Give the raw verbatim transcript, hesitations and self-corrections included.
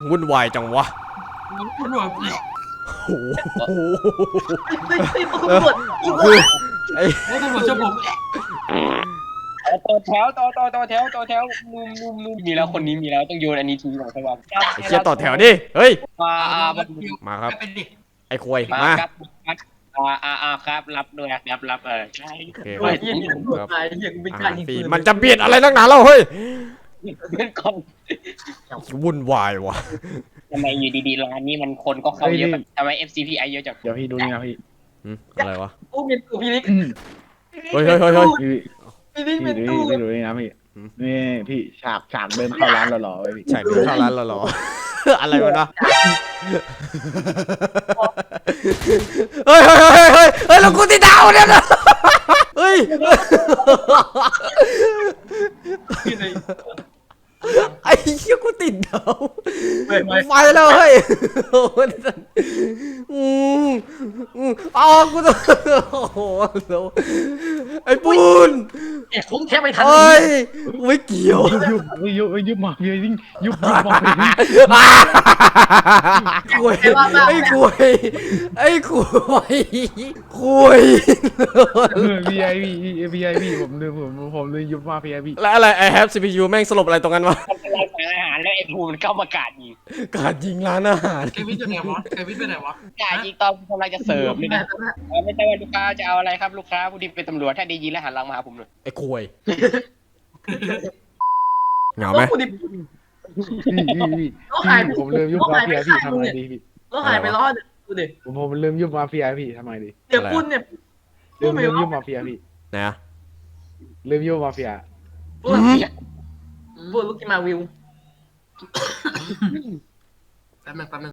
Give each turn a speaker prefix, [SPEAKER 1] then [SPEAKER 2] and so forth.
[SPEAKER 1] วุ่นวายจังวะ
[SPEAKER 2] คุณหน่วย
[SPEAKER 1] โอ้โห
[SPEAKER 3] เฮ้ยเฮ้ยตำรวจตำรวจ
[SPEAKER 1] ไอ้
[SPEAKER 2] ไอ้ตำรวจจะผม
[SPEAKER 4] ต่อแถวต่อต่อต่อแถวต่อแถวนุ่มนุ่มนุ่มมีแล้วคนนี้มีแล้วต้องโยนอันนี้ทิ้งหน่อยใช่ป่ะ
[SPEAKER 1] ไอ้เชี่ยต่อแถวดิเฮ้ย
[SPEAKER 4] มาอ่า
[SPEAKER 1] มาครับ
[SPEAKER 2] เป็นดิ
[SPEAKER 1] ไอ้ควย
[SPEAKER 4] มา
[SPEAKER 1] มา
[SPEAKER 4] ครับอ่าอ่าอ่าครับรับด้วยรับรับเออใช่
[SPEAKER 1] โอเค
[SPEAKER 3] เฮ้ยยังตำรวจตายยังเป็นการยิง
[SPEAKER 1] ปี
[SPEAKER 3] ปืน
[SPEAKER 1] มันจะเบียดอะไรนักหนาเราเฮ้ย
[SPEAKER 4] เป็นคน
[SPEAKER 1] วุ่นวายวะ
[SPEAKER 4] ทำไมอยู่ดีๆร้านนี้มันคนก็เข้าเยอะแบบทำไม เอฟ ซี พี ไอ เยอะจัง
[SPEAKER 5] เดี๋ยวพี่ดูนี่นะพี่
[SPEAKER 1] หืมอะไรวะ
[SPEAKER 3] โอ้เมียนตู้พี่นิก
[SPEAKER 1] เฮ้ยเฮ้ยเฮ้ยเฮ้ย
[SPEAKER 5] พี่
[SPEAKER 3] พี่นิก
[SPEAKER 5] พี่
[SPEAKER 3] เมียน
[SPEAKER 5] ดู
[SPEAKER 3] ตู้
[SPEAKER 5] พี่ดูนี่นะพี่นี่พี่ฉากฉากเดินเข้าร้านหล่อๆไว้พี่
[SPEAKER 1] ใช่เดินเข้าร้านเราเหรอ อะไรวะนะเฮ้ยเฮ้ยเฮ้ยเฮ้ยเฮ้ยแล้วกูติดดาวเนี่ยนะเฮ้ย
[SPEAKER 2] ที่ใน
[SPEAKER 1] ไอ้เชี่ยกูติดดาว
[SPEAKER 3] เฮ้ย
[SPEAKER 1] ไฟแล้วเฮ้ยอืมอืมอ๋อกูต้องโอ้โหไอ้ปูน
[SPEAKER 3] เอ๊ะผมแค่ไม่ทัน
[SPEAKER 1] เฮ้ยไม่เกี่ยว
[SPEAKER 5] ยุบยุบยุบมาพี่ยิ่งยุบยุบมาพี่
[SPEAKER 1] คุยไอ้คุยไอ้คุยคุย
[SPEAKER 5] พี่ไอพี่พี่ไอพี่ผมลืมผมผมลืมยุบมาพี่ไอพี่
[SPEAKER 1] แล้วอะไร I have ซี พี ยู แม่งสลบอะไรตรงนั้นวะ
[SPEAKER 4] ทำเป็นรายสารอาหารแล้วไอ้ภูมิมันเข้ามากาดยิง
[SPEAKER 1] การยิงร้านอาหาร
[SPEAKER 2] เควินอยู่ไหนวะเควินไปไหนวะ
[SPEAKER 4] กาดยิงตอนกำลังจะเสิร์ฟเลยนะไม่ใช่ว่าลูกค้าจะเอาอะไรครับลูกค้าผู้ที่เป็นตำรวจถ้าได้ยินแล้วหันหลังมาหาผมเลย
[SPEAKER 1] ไอ้คุยเหงาไหม
[SPEAKER 3] กูดิ
[SPEAKER 5] พี่พี่พี่ผมลืมยุบมาพี่ไอพี่ทำไงดีพี่
[SPEAKER 3] แล้วหายไปรอดกูดิ
[SPEAKER 5] ผมผมลืมยุบมาพี่ไอพี่ทำไงดี
[SPEAKER 3] เดี๋ยวคุณเนี่ย
[SPEAKER 5] ลืมลืมยุบมาพี่ไอพี่
[SPEAKER 1] ไหนอะ
[SPEAKER 5] ลืมยุบมาพี่ไอ
[SPEAKER 3] พูดพูดลูกที่มาวิว
[SPEAKER 2] แป๊บนึงแป๊บนึง